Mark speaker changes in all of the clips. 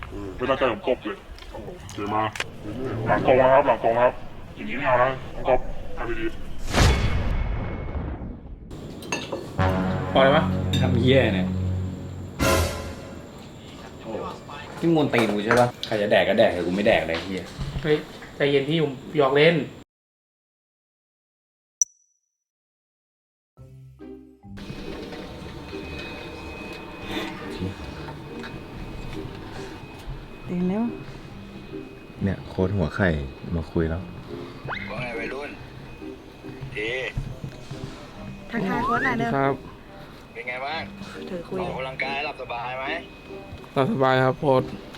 Speaker 1: ไม่ตั้งใจผมตบเลยเดี๋ยวมาหลังตรงนะครับหลังตรงครับอย่างนี้ไม่เอานะต้องก๊อปทำดี
Speaker 2: พอเลยปะ
Speaker 3: ทำเหี้ยเนี่ยที่มวนตีนกูใช่ปะใครจะแดกก็แดกแต่กูไม่แดกเลยเหี้ย
Speaker 2: เฮ้ยใจเย็นพี่ผมหยอกเล่น
Speaker 4: ตื่นแล้ว
Speaker 5: เนี่ยโค้ดหัวไข่มาคุยแล้ว
Speaker 6: ว่าไงวัยรุ่นที
Speaker 4: ทักทายโค้ชหน่อยเด้อ
Speaker 2: ครับ
Speaker 6: เป็นไงบ้าง
Speaker 4: ถือคุย
Speaker 6: ออกกำลังกายหลับสบายไหม
Speaker 2: สบายครับป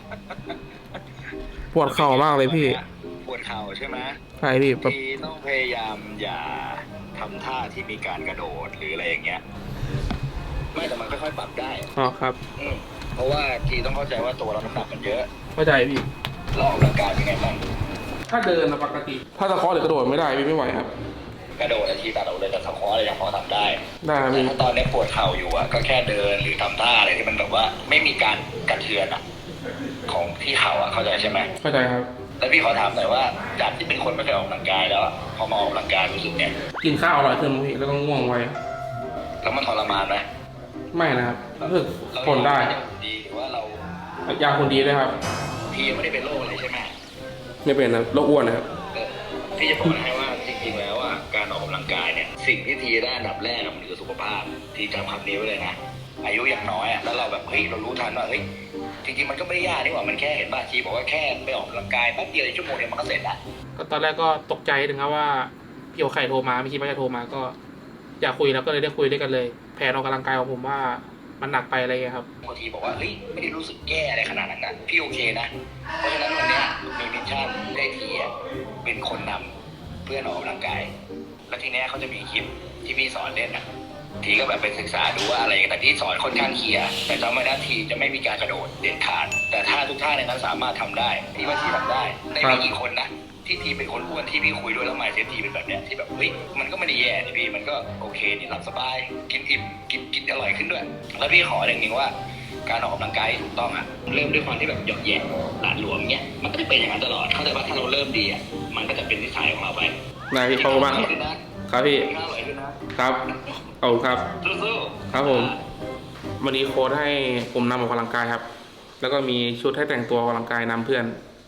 Speaker 2: วดเข่ามากเลยพี่
Speaker 6: ปวดเข่าใช่ไหม
Speaker 2: ใช่พี่แบบ
Speaker 6: ทีต้องพยายามอย่าทำท่าที่มีการกระโดดหรืออะไรอย่างเงี้ยไม่แต่มันค่อยๆปรับได้
Speaker 2: อ๋อครับ
Speaker 6: เพราะว่าทีต้องเข้าใจว่าตัวเราน้ำหนักมันเยอะ
Speaker 2: เข้าใจพี่
Speaker 6: เราออกกำลังกายเป็นไงบ้าง
Speaker 2: ถ้าเดินปกติ ถ้าตะเคาะหรือกระโดดไม่ได้พี่ไม่ไหวครับ
Speaker 6: กระโดดทีตัดเอาเลยแต่สควอตอะไรยังพอทำได้
Speaker 2: ได้ครับ
Speaker 6: แต่
Speaker 2: พี่
Speaker 6: ถ้าตอนนี้ปวดเข่าอยู่อ่ะก็แค่เดินหรือทำท่าอะไรที่มันแบบว่าไม่มีการกระเทือนอ่ะของที่เข่าอ่ะเข้าใจใช่ไหม
Speaker 2: เข้าใจครับ
Speaker 6: แล้วพี่ขอถามหน่อยว่าจากที่เป็นคนไม่เคยออกกำลังกายแล้วอะพอมาออกกำลังกายรู้สึกเนี่ย
Speaker 2: กินข้าวอร่อยขึ้นไหมพี่แล้วก็ง่วงไว
Speaker 6: แล้วมันทรมานไหม
Speaker 2: ไม่นะครับรู้สึกทนได้
Speaker 6: ดีหรือว่าเรา
Speaker 2: ยาคนดีด้วยครับ
Speaker 6: พี่ยังไม่ได้เป็นโรคอะไรใช่ไหม
Speaker 2: ไม่เป็นนะโรคอ้วนนะครับ
Speaker 6: พี่จะบอกให้ว่าจริงๆแล้วอะการออกกำลังกายเนี่ยสิ่งที่ทีได้อันดับแรกอะมันคือสุขภาพทีจำคำนี้ไว้เลยนะอายุอย่างน้อยอะแล้วเราแบบเฮ้ยเรารู้ทันว่าเฮ้ยจริงๆมันก็ไม่ได้ยากนี่หว่ามันแค่เห็นบ้าทีบอกว่าแค่ไปออกกำลังกายแป๊บเดียวชั่วโมงเดียวมันก็เสร็จละ
Speaker 2: ก็ตอนแรกก็ตกใจถึงครับว่าพี่โอไข่โทรมาไม่คิดว่าจะโทรมาก็อยากคุยแล้วก็เลยได้คุยด้วยกันเลยแผนออกกำลังกายของผมว่ามันหนักไปอะไรเงี้ยครับ
Speaker 6: บางทีบอกว่าเฮ้ยไม่ได้รู้สึกแย่อะไรขนาดนั้นนะพี่โอเคนะเพราะฉะนั้นวันเนี้ยมีมิชชั่นได้ทีอะเป็นคนนำเพื่อนออกกำลังกายแล้วทีเนี้ยเขาจะมีคลิปที่พี่สอนเล่นนะทีก็แบบไปศึกษาดูว่าอะไรแต่ที่สอนค่อนข้างเคลียร์แต่จำไว้นะทีจะไม่มีการกระโดดเด็ดขาดแต่ถ้าทุกท่าในนั้นสามารถทำได้ที่ว่าทีทำได้ในไม่กี่คนนะที่ทีเป็นคนอ้วนที่พี่คุยด้วยแล้วหมายเซฟทีเป็นแบบเนี้ยที่แบบเฮ้ยมันก็ไม่ได้แย่นี่พี่มันก็โอเคนี่หลับสบายกินอิ่มกินอร่อยขึ้นด้วย แล้วพี่ขออย่างหนึงว่าการออกกำลังกายที่ถูกต้องอะเริ่มด้วยความที่แบบหยอกแย่หลาดหลวมเงี้ยมันก็จะเป็นอย่างนั้นตลอดเข้าใจว่าถ้าเราเริ่มดีอะมันก็จะเป็นนิสัยของเราไป
Speaker 2: นายพี่ขอบคุณมากครับพี่
Speaker 6: กินข้าวอร่อยขึ้นนะครับ
Speaker 2: ขอบคุณครับ
Speaker 6: สู้
Speaker 2: ครับผมวันนี้โค้ดให้ผมนำออกกำลังกายครับ แล้วก็มีชุดให้แต่งตัวออกกำลังกายนำเพื่อน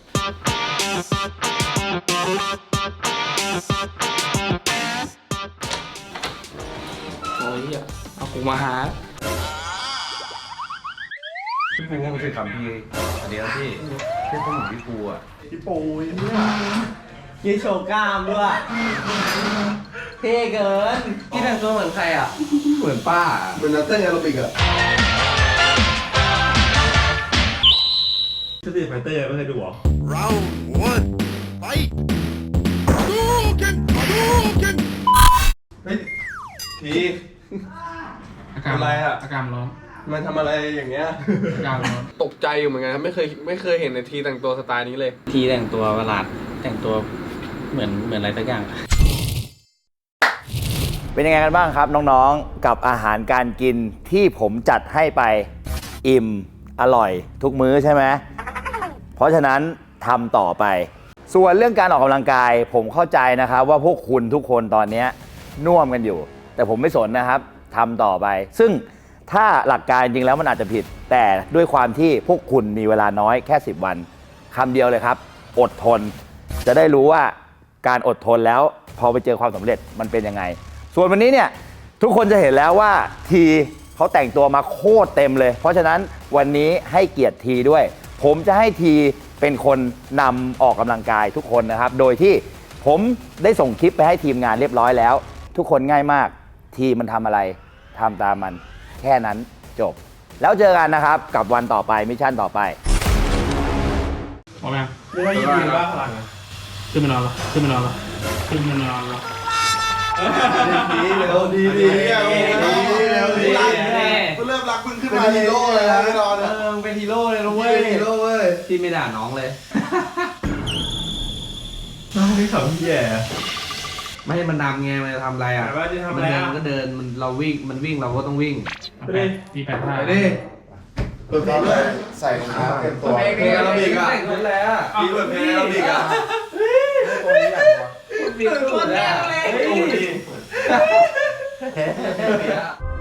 Speaker 2: โอ้ยเอากูมาหา
Speaker 5: พี่ปูมันคือคำพี่อันนี้นะพี่พี่ปูเหมือนพี่ปูอ่ะ
Speaker 7: พี่ปูเนี่ยยีโชว์กล้ามด้วยเท่เกินพี่แต่งตัวเหมือนใครอ่ะ
Speaker 5: เหมือนป้า
Speaker 7: เหมือนนักเต้นแอโรบิกอ่ะ
Speaker 5: สตรีทไฟเตอร์ไม่เคยดูหรอ
Speaker 7: เฮ้ยที
Speaker 2: อาการ
Speaker 7: อะไรอะ
Speaker 2: อาการร้อน
Speaker 7: มันทำอะไรอย่างเงี้ย
Speaker 2: อาการร้อน
Speaker 7: ตกใจอยู่เหมือนกันครับไม่เคยเห็นในทีแต่งตัวสไตล์นี้เลย
Speaker 3: ทีแต่งตัวประหลาดแต่งตัวเหมือนอะไรสักอย่าง
Speaker 8: เป็นยังไงกันบ้างครับน้องๆกับอาหารการกินที่ผมจัดให้ไปอิ่มอร่อยทุกมื้อใช่ไหมเพราะฉะนั้นทำต่อไป ส่วนเรื่องการออกกำลังกายผมเข้าใจนะครับว่าพวกคุณทุกคนตอนนี้น่วมกันอยู่ แต่ผมไม่สนนะครับทำต่อไป ซึ่งถ้าหลักการจริงแล้วมันอาจจะผิด แต่ด้วยความที่พวกคุณมีเวลาน้อยแค่10 วันคำเดียวเลยครับอดทนจะได้รู้ว่าการอดทนแล้วพอไปเจอความสำเร็จมันเป็นยังไงส่วนวันนี้เนี่ยทุกคนจะเห็นแล้วว่าทีเขาแต่งตัวมาโคตรเต็มเลยเพราะฉะนั้นวันนี้ให้เกียรติทีด้วยผมจะให้ทีเป็นคนนำออกกำลังกายทุกคนนะครับโดยที่ผมได้ส่งคลิปไปให้ทีมงานเรียบร้อยแล้วทุกคนง่ายมากทีมันทำอะไรทำตามมันแค่นั้นจบแล้วเจอกันนะครับกับวันต่อไปมิชชั่นต่อไป
Speaker 2: พร้อมยัง
Speaker 7: ไม่ได้ยินบ้าพลังอ่ะ
Speaker 2: ขึ้นมานอนละขึ้นมานอนละขึ้นมานอนละ
Speaker 7: ดีเร็วดีเร็วดีเริ่มรักมึงขึ้นมาฮีโร่เลยนะแน่นอนมึงเป็นฮีโร่เลยนะเว้ยฮีโร่เว้ย
Speaker 3: ที่ไม่ด่าน้องเลย
Speaker 5: น้องนี่เขาแย่
Speaker 3: ไม่ให้มันดำไงมันจะทำอะไรอ่ะ
Speaker 7: ว่าจะทำ
Speaker 3: มั
Speaker 7: อะไร
Speaker 3: เดิน
Speaker 7: อ่ะ
Speaker 3: ก็เดินมันเราวิ่งมันวิ่งเราก็ต้องวิ่ง
Speaker 2: ตีแปดท่า
Speaker 7: ไปดิใส่รองเท้าเต็มตัวเพลงอาราบิกอ่ะนั่นแหละพี่เปิดเพลงอาราบิกอ่ะตัวนี้ใหญ่กว่าพี่สุดแล้วโอ้ดี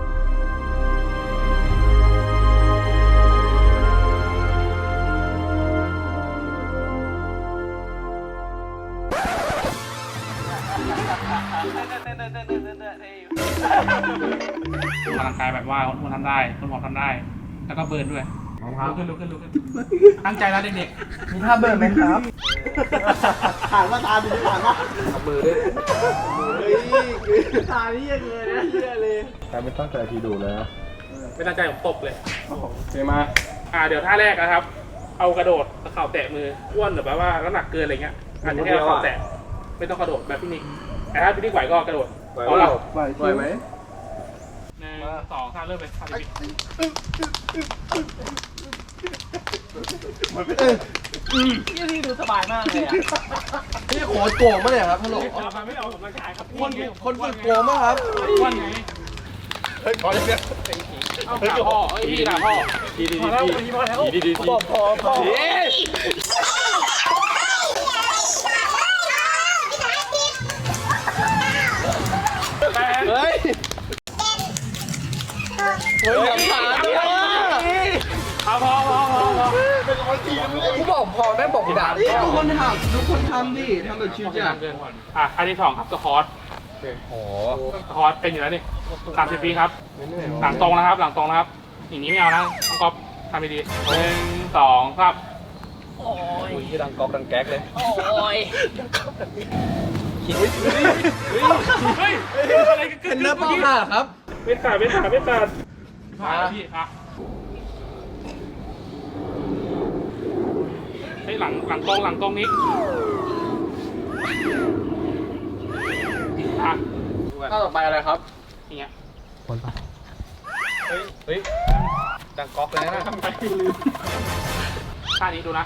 Speaker 2: กำลังกายแบบว่าคนทำได้คนผอมทำได้ แล้วก็เบิร์นด้วยลุกขึ้นตั้งใจแล้วเด็ก
Speaker 4: มีท่าเบิร์นไหมครับ
Speaker 7: ผ่านมาตาดีผ่านมา
Speaker 3: มือด้วย
Speaker 7: ตานี่ยังเลยนะเฮียเลยแต่ไม่ตั้งใจทีดูเลยนะ
Speaker 2: ๆไม่ตั้งใจผมตบเลยเดี๋ยวมาเดี๋ยวท่าแรกนะครับ เอากระโดดเข่าแตะมืออ้วนหรือแบบว่าน้ำหนักเกินอะไรเงี้ยอาจจะแค่เข่าแตะไม่ต้องกระโดดแบบพี่นิกแต่ถ้าพี่นิกไหวก็กระโดดเอาละ
Speaker 7: ไหวไหม
Speaker 2: 1 2 3เริ่มเลย
Speaker 4: นี่ดูสบายมากเลยอ่ะ
Speaker 7: พี่โคตรโกงมาเลยครับฮัลโหล
Speaker 2: ไม่เอาผมร่างกายครับ
Speaker 7: คนฝึกโกงมากครับ
Speaker 2: อ้วนไง
Speaker 7: เฮ้ยขอเลยเนี่ย
Speaker 2: เอาขาพ่อพี่ด่าพ่อพอแล้วพอแล้วพอ
Speaker 7: เฮ้ยหลังขาด้วย
Speaker 2: เอาพอ
Speaker 7: เป็นคนทีมเลยกูบอกพอแม่บอกด่าทุกคนทำทุกคนทำดิทำแบบชิวจ้ะ
Speaker 2: อันที่2ครับสควอตสควอตเป็นอยู่แล้วนี่30 ปีครับหลังตรงนะครับอย่างนี้ไม่เอานะต้องก๊อปทำดีๆ1 2 ครับ
Speaker 3: โอ้ยดังก๊อกดังแก๊กเลย
Speaker 2: เฮ้ยอะไรกัน
Speaker 7: เป็นเนื้อป้าค่ะครับ
Speaker 2: ไม่ขาดผ่านพี่เฮ้ยหลังตรงนี้
Speaker 7: ข้าต่อไปอะไรครับ
Speaker 2: อย่างเงี้ย
Speaker 3: เฮ้ยดังก๊อกเลยนะ
Speaker 2: ทำไปลืมท่านี้ดูนะ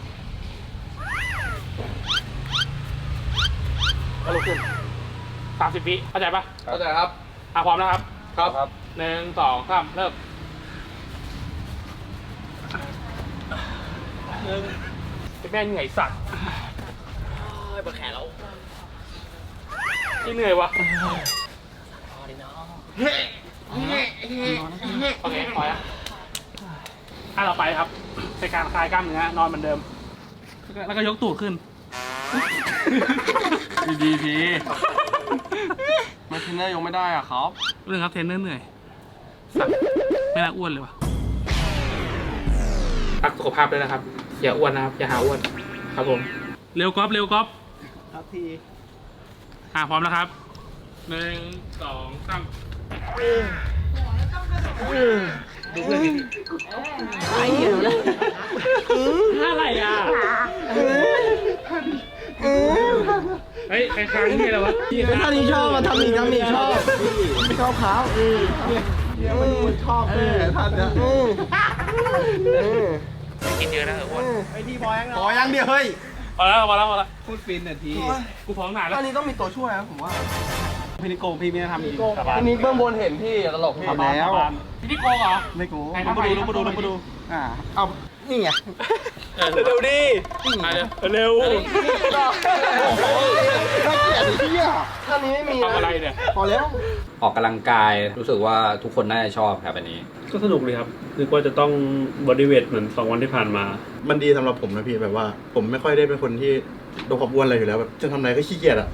Speaker 2: ก็ลุกขึ้น30 วิเข้าใจปะ
Speaker 7: เข้าใจครับ
Speaker 2: พร้อมนะครับ
Speaker 7: ครับ
Speaker 2: 1 2 3เริ่มแม่เหนื่อยสัตว์ปวดแขนแล้วนี่เหนื่อยวะโอเคพอแล้วต่อไปครับเป็นการคลายกล้ามเนื้อนอนเหมือนเดิม แล้วก็ยกตูดขึ้น
Speaker 7: ดีมาเทรนเนอร์ยังไม่ได้อ่ะครับ
Speaker 2: เรื่องครับเทรนเนอร์เหนื่อยสัตว์ไม่น่าอ้วนเลยวะรักสุขภาพด้วยนะครับอย่าอ้วนนะครับอย่าหาอ้วนครับผมเร็วก๊อฟ
Speaker 7: ครับที
Speaker 2: พร้อมแล้วครับ1 2 3ดูเพื่อนดิไอ้เหี้ยเลยอะไรอ่ะเฮ้ยใครค้างนี่แล้ววะ
Speaker 7: ท่านี้ชอบมาทำอีกชอบเขามันชอบท่านเนี่ย
Speaker 2: กินเยอะนะอ้วน
Speaker 7: ไอทีพอยังเดียวเฮ้ย
Speaker 2: พอแล้ว
Speaker 3: พูดฟินหน่อยที
Speaker 2: กูพร้อมนานแล้ว
Speaker 7: ท่านี้ต้องมีตัวช่วยนะผมว่า
Speaker 2: พี่นิโก้พี่ไม่ได้ทำอีก
Speaker 7: ท่านี้เบื้องบนเห็นพี่ตลกพี่แล้ว
Speaker 2: พี่นิโก้เหรอ
Speaker 7: ไม่กู
Speaker 2: ลงมาดู
Speaker 7: เอานี่ไง
Speaker 2: เร็วดิเร็ว
Speaker 7: น่าเกลียดที่อ่ะท่านี้ไม่มี
Speaker 2: ทำอะไรเนี่ย
Speaker 7: พอแล้ว
Speaker 3: ออกกำลังกายรู้สึกว่าทุกคนน่าจะชอบครับอันนี้
Speaker 9: ก็สนุกเลยครับนึกว่าจะต้องบอดี้เวทเหมือน2 วันที่ผ่านมา
Speaker 10: มันดีสำหรับผมนะพี่แบบว่า ผมไม่ค่อยได้เป็นคนที่โดนความอ้วนอะไรอยู่แล้วแบบจะทำอะไรก็ขี้เกียจอะ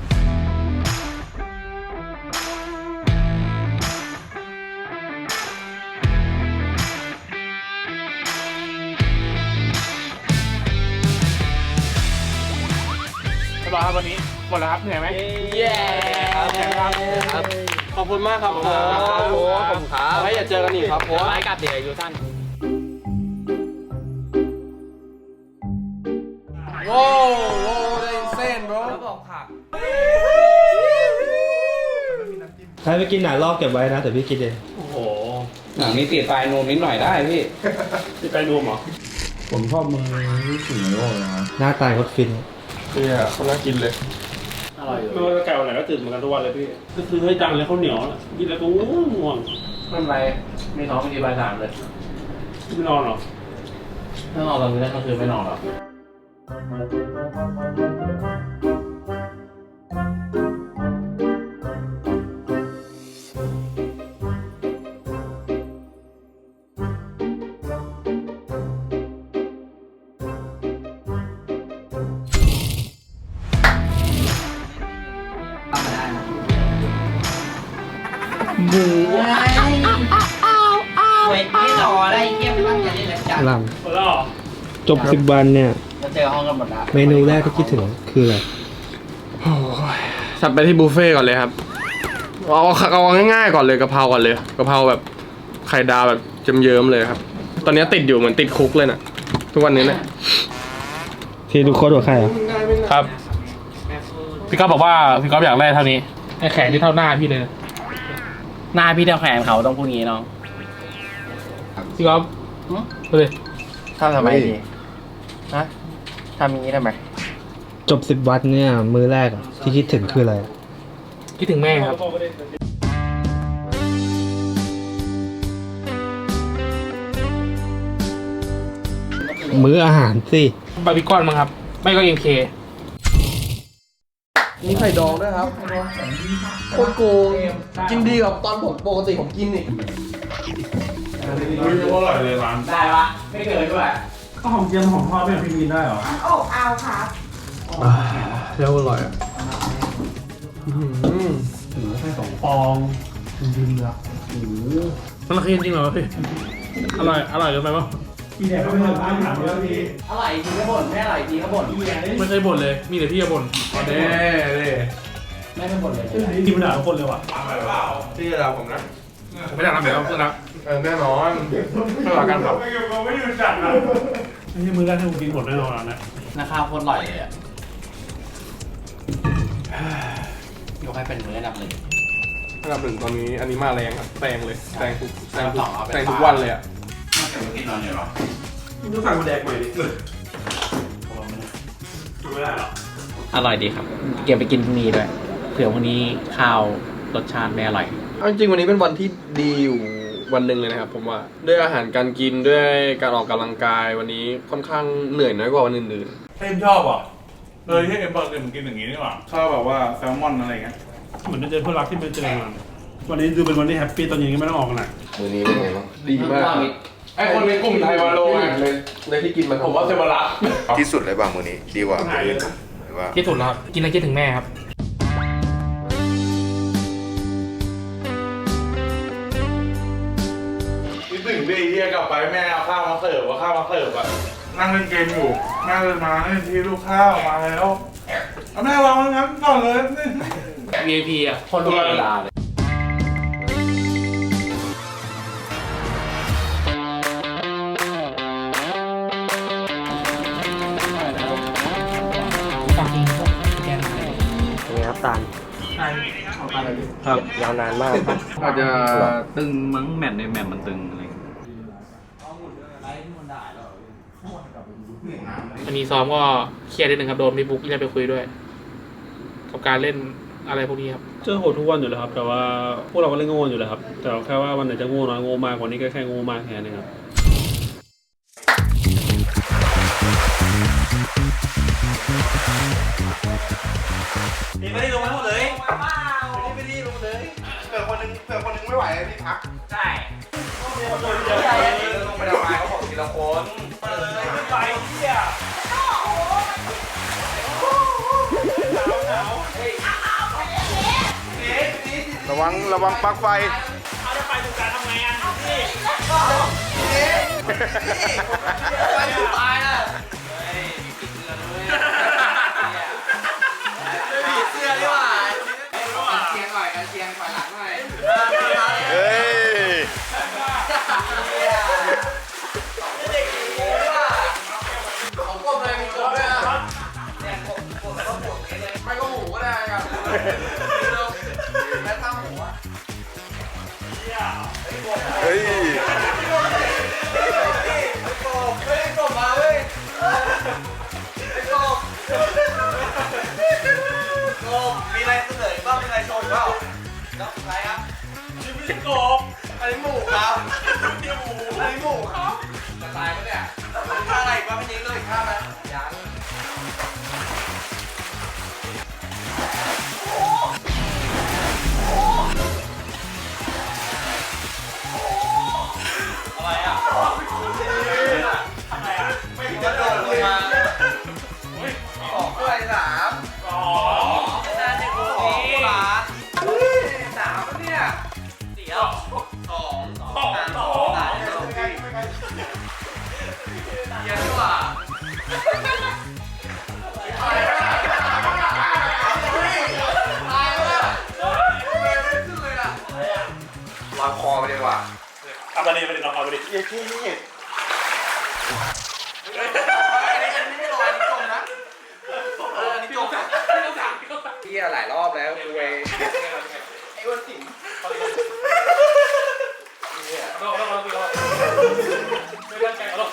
Speaker 2: สบายครับวันนี้หมดแล้วครับเหนื่อยไหม
Speaker 7: เย้ครับขอบคุณมากครับผมขอบคุณครับไว้อย่าเจอกันอีกครับผม
Speaker 3: ไม้กับเด็กอายุสั้น
Speaker 7: โว้ได้เส้น bro บอกผัก
Speaker 9: ใครไปกินหนาลอกเก็บไว้นะแต่พี่กินเอง
Speaker 2: โอ้โห
Speaker 3: หนังนี้ติดปลายนวมนิดหน่อยได้พี่
Speaker 2: พี่ไปนวมเหรอ
Speaker 10: ผมชอบมือที่ถึงโลกนะ
Speaker 9: หน้าตายโคตรฟิน
Speaker 10: เนี่ยเขาน่ากินเลย
Speaker 9: ไม่ว่าจะไก่วันไหนก็ตื่นเหมือนกันทุกวันเลยพี่ก็คือให้ดังเลยข้าวเหนียวกินแล้วก็ง่วง
Speaker 2: ไม่เป็นไรไม่ท้องไม่ดีบ่าย 3เลย
Speaker 9: ไม่นอนหรอ
Speaker 2: ถ้านอนตอนนี้ก็คือไม่นอนหรอก
Speaker 4: หมูไงเวทไม่รออะไรเยี่ยมมากจะได้เลยจ้ะ
Speaker 9: หลัง
Speaker 2: หมดแล้วเหรอ
Speaker 9: จบ10 วันเนี่ย
Speaker 4: จะเจอห้องกันหมดแล้ว
Speaker 9: เมนูแรกที่คิดถึงคืออะไร
Speaker 11: จัดไปที่บุฟเฟ่ต์ก่อนเลยครับ เอาง่ายๆก่อนเลยกะเพราก่อนเลยกะเพราแบบไข่ดาวแบบเยิ้มๆเลยครับ ตอนนี้ติดอยู่เหมือนติดคุกเลยน่ะ ทุกวันนี้เนี่ย
Speaker 9: ที่ทุกคนหัวใครอ่ะ
Speaker 2: ครับ พี่ก๊อฟบอกว่าพี่ก๊อฟอยากได้เท่านี้ไอ้แขนที่เท่าหน้าพี่เลยนะ
Speaker 4: หน้าพี่เท่าแขนเขาต้องพูดงี้น้อง
Speaker 2: พี่ก๊อฟไปเลย
Speaker 4: ทำไมดีฮะทำอย่างนี้ทำไม
Speaker 9: จบ10 วันเนี่ยมื้อแรกอะที่คิดถึงคืออะไร
Speaker 2: คิดถึงแม่ครับ
Speaker 9: มื้ออาหารสิ
Speaker 2: บาร์บีคอนมั้งครับ ไม่ก็MK
Speaker 7: มีไข่ดองด้วยครับโคตรโกงกินดีกับตอนผมปกติผมกินอีก
Speaker 1: ไม่รู้ว่าอร่อยเลยร้าน
Speaker 4: ได้ปะไม่เกินด้วย
Speaker 9: ก็หอมเจียมหอมทอดไม่พี่มีได้หรอ
Speaker 12: เอาครับ
Speaker 10: แล้วอร่อยอ่ะ
Speaker 9: ฟองดินละ
Speaker 2: มันราคาจริงเหรอพี่ อร่อยเกินไปปะ
Speaker 9: พี่แดกก็ไม่ทำอาหารแล้วพี่
Speaker 4: อร่อยจริงก็บ่นไม่อร่อยจริงก็บ่น
Speaker 2: ไม่เคยบ่นเลย มีแต่พี่จะบ่นเด้
Speaker 4: ไม่เป็นบ่นเลย
Speaker 9: ที่มันด่าทุกคนเลยว่ะ
Speaker 1: ที่เราผมนะ
Speaker 2: ไม่ได้ทำแบบเพื่อนรัก
Speaker 1: แน่นอนเพื่อกันครับ
Speaker 9: ไม่ยืนจัดนะไม่ใช่มื้อแรกที่ผมกินหมดแน่นอนนะ
Speaker 4: นะครับโคตรอร่อยเลยอ่ะยกให้เป็นมื้ออันดับ 1
Speaker 11: อันดับ 1ตอนนี้อันนี้มาแรงครับแซงเลยแซงทุกวันเลยอ่ะ
Speaker 9: ต้องสั่งมาแดกใหม่ดิไม่ได้หรอ
Speaker 4: อร่อยดีครับ เก็บไปกินพรุ่งนี้ด้วยเผื่อพรุ่งนี้ข้าวรสชาติไม่อร่อย
Speaker 11: เอาจริงๆวันนี้เป็นวันที่ดีอยู่วันหนึ่งเลยนะครับผมว่าด้วยอาหารการกินด้วยการออกกำลังกายวันนี้ค่อนข้างเหนื่อยน้อยกว่าวันอื่น
Speaker 1: เอ็มชอบอ่ะที่เอ็มบอกเอ็มกินอย่างนี้นี่หว่าชอบแบบว่าแซลมอนอะไรเงี้ย
Speaker 9: เหมือนจะเจอเพื่อนรักที่ไม่เจอมาวันนี้ดูเป็นวันที่แฮปปี้ตอนเย็นก็ไม่ต้องออกกันนะ
Speaker 3: มื้อนี้เป็นไงบ้าง
Speaker 11: ๆดีมากไอคนในกลุ่มไทยวาโลเลยที่กินมันผมว่าเซมาระ
Speaker 3: ที่สุดเลยบ้างมื้อนี้ดีกว่ามื้ออื่นหรือว่า
Speaker 2: ที่สุดแล้วครับกินแล้วคิดถึงแม่ครับ
Speaker 1: คิดถึงดิเฮียกลับไปแม่เอาข้าวมาเสิร์ฟอ่ะนั่งเล่นเกมอยู่แม่เลยมาให้ทีลูกข้าวมาแล้วเอาแม่วางงั้นก่อนเลย
Speaker 2: VIP อ่ะ
Speaker 4: คนรู้เวลาเลย
Speaker 2: ฝากกินพวกแกงอะไร
Speaker 4: นี่ครับตาล
Speaker 2: ใช่เอาไปเลย
Speaker 4: ครับยาวนานมากครับ
Speaker 11: อาจจะ
Speaker 3: ตึงมั้งแมตช์ในแมตช์มันตึงอะไร
Speaker 2: วันนี้ซ้อมก็เครียดนิดนึงครับโดนพี่บุ๊กเรียกไปคุยด้วย กับการเล่นอะไรพวกนี้ครับ
Speaker 9: เจอโหดทุกวันอยู่แล้วครับ แต่ว่าพวกเราก็เล่นโง่อยู่แล้วครับ แต่แค่ว่าวันไหนจะโง่น้อยโง่มากวันนี้ก็แค่โง่มากแค่นั้นเองครับ
Speaker 7: ไม่ได้ลงมาหมดเลยไม่ได้ลงเลยเผื่อคนนึงไม่ไหวพี่พัก
Speaker 4: ใช่
Speaker 7: ลงไปทำไมเขาบอกทีละคนไปเที่ยระวังปลั๊กไฟเอาจะไปดูการทำไงอ่ะนี่ไปดูตายนะเสื้อดีกว่ากันเชียงหน่อยกันเชียงฝ่ายหลังหน่อยเฮ้ยเด็กดีว่ะของกลมเลยมีกลมด้วยอ่ะเนี่ยกลมแล้วก็หมูเลยไม่ก็หมูก็ได้ครับแล้วถ้าหมูอ่ะเฮ้ยไม่กลมไม่กลมมาเว้ยไม่กลมมีอะไรเสนอบ้างมีอะไรโชว์อีกเปล่าแล้วอะไรครับชิมิโกะอันนี้หมูครับอันนี้หมูครับ
Speaker 10: วางคอไปดีกว่า
Speaker 2: เอาไปดิลองเอาไปดิ
Speaker 10: เย้ที่นี่
Speaker 3: เฮียหลายรอบแล้วกูเอง
Speaker 2: ไม่ตั้งใจหรอก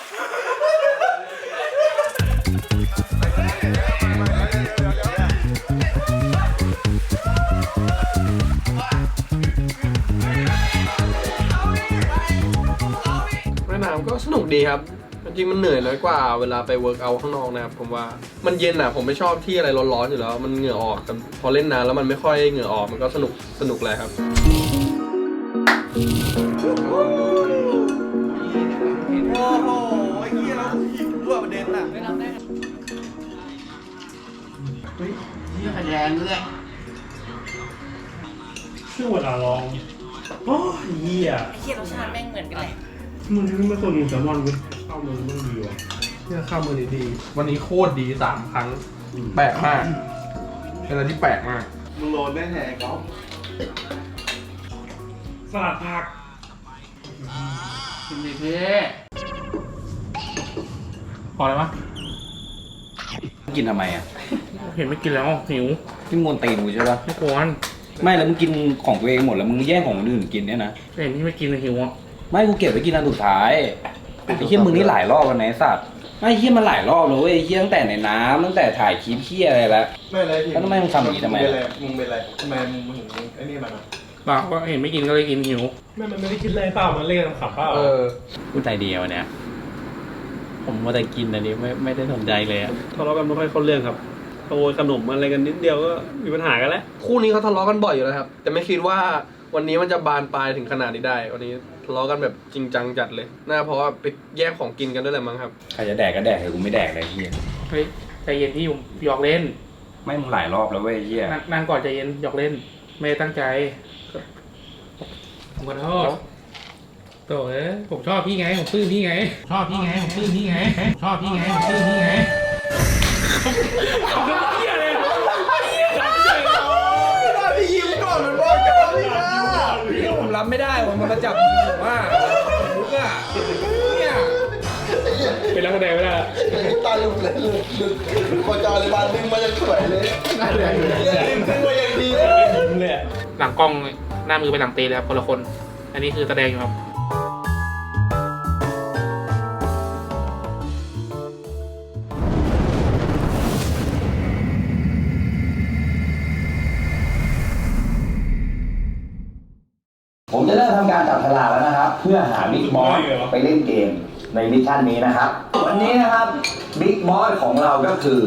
Speaker 11: ว่ายน้ำก็สนุกดีครับ จริงๆมันเหนื่อยน้อยกว่าเวลาไปเวิร์กเอาท์ข้างนอกนะครับผมว่ามันเย็นอ่ะผมไม่ชอบที่อะไรร้อนๆอยู่แล้วมันเหงื่อออกแต่พอเล่นน้ำแล้วมันไม่ค่อยเหงื่อออกมันก็สนุกเลยครับ
Speaker 7: โอ้โหไอ้เหี้ยแล้วหิวด้วยประเด็นน่ะ
Speaker 4: นี่คะแนนด้วย
Speaker 9: ช่วงเวลาลองโอ้ยเหี้ย
Speaker 4: ไอ้เหี้ยรสชาติแม่งเหมือนกันเลย
Speaker 9: มึงไม่ควรกินแซลมอนเว้ยข้าวมันมันดีว่ะ
Speaker 11: เนี่ยข้าวมือดีๆวันนี้โคตรดี3 ครั้งแปลกมากเป็นอะไรที่แปลกมาก
Speaker 7: มึงโดนได้ไงก๊อฟ
Speaker 9: สลัดผัก
Speaker 4: กินเลยเพ่
Speaker 2: พอแล้วมั้ย
Speaker 3: กินทำไมอ่ะ
Speaker 2: เห็นไม่กินแล้วหิว
Speaker 3: ที่มวนตีนกูใช่ปะ
Speaker 2: ไม่ควร
Speaker 3: ไม่แล้วมึงกินของตัวเองหมดแล้วมึงแย่งของคนอื่นกินเนี่ยนะ
Speaker 2: เห็นที่ไม่กินเลยหิวอ่ะ
Speaker 3: ไม่กูเก็บไว้กินอันสุดท้ายไอ้เหี้ยมึงนี่หลายรอบแล้วนะไอ้สัตว์ไอ้เหี้ยมันหลายรอบแล้วเว้ยไอ้เหี้ยตั้งแต่ในน้ำตั้งแต่ถ่ายคลิปเหี้ยอะไรแล้ว
Speaker 10: ไม่อะไรพี่
Speaker 3: แล้วทำไมมึงทำอย่างนี้ทำไม
Speaker 10: มึงเป็นอะไรทำไมมึงถึงไอ้นี่มันอ่ะ
Speaker 2: เปล่าก็เห็นไม่กินก็เลยกินหิว
Speaker 9: มันไม่ได้คิดอะไรเปล่ามันเล่นขับเปล่า
Speaker 12: พูดใจเดียวเนี่ย ผมว่าแต่กินอันนี้ไม่ได้สนใจเลยอะ
Speaker 9: ทะเลาะกันไม่ค่อยเข้าเรื่องครับขโมยขนมอะไรกันนิดเดียวก็มีปัญหากันแล้ว
Speaker 11: คู่นี้เขาทะเลาะกันบ่อยอยู่แล้วครับแต่ไม่คิดว่าวันนี้มันจะบานปลายถึงขนาดนี้ได้วันนี้ทะเลาะกันแบบจริงจังจัดเลยน่าเพราะว่าไปแย่งของกินกันด้วยแหละมั้งครับ
Speaker 3: ใครจะแดกก็แดกแต่กูไม่แดกเลยไอ้เหี้ย
Speaker 2: เฮ้ยใจเย็นพี่ผมหยอกเล่น
Speaker 3: ไม่มึงหลายรอบแล้วเว้ยไอ้เหี้ย
Speaker 2: นั่งก่อนใจเย็นหยอกเล่น ไม่ได้ตั้งใจผมขอโทษโถ่เอ้ยผมชอบพี่ไงผมปลื้มพี่ไงชอบพี่ไงผมปลื้มพี่ไงชอบพี่ไงผมปลื้มพี่ไงเขาเป็นเหี้ยเลย
Speaker 7: พี่ยิ้มก่อนมันบอกจะพี่นะ
Speaker 3: พี่ผมรับไม่ได้ว่ามันมาจับผมว่าลุกอ่ะเนี่ย
Speaker 2: เป็นนักแสดงไม่ได้
Speaker 7: ตาลุกเลยลุกพอจอเลยบานดึงมายังสวยเลยดึงมายังดีเลย
Speaker 2: หลังกล้องหน้ามือไปหลังเตะเลยครับคนละคน อันนี้คือแสดงอยู่ครับ
Speaker 8: ผมจะเริ่มทำการจับฉลากแล้วนะครับ เพื่อหาบิ๊กบอสไปเล่นเกมในมิชชั่นนี้นะครับ วันนี้นะครับบิ๊กบอสของเราก็คือ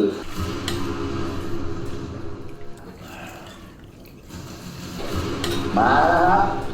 Speaker 8: มาแล้วครับ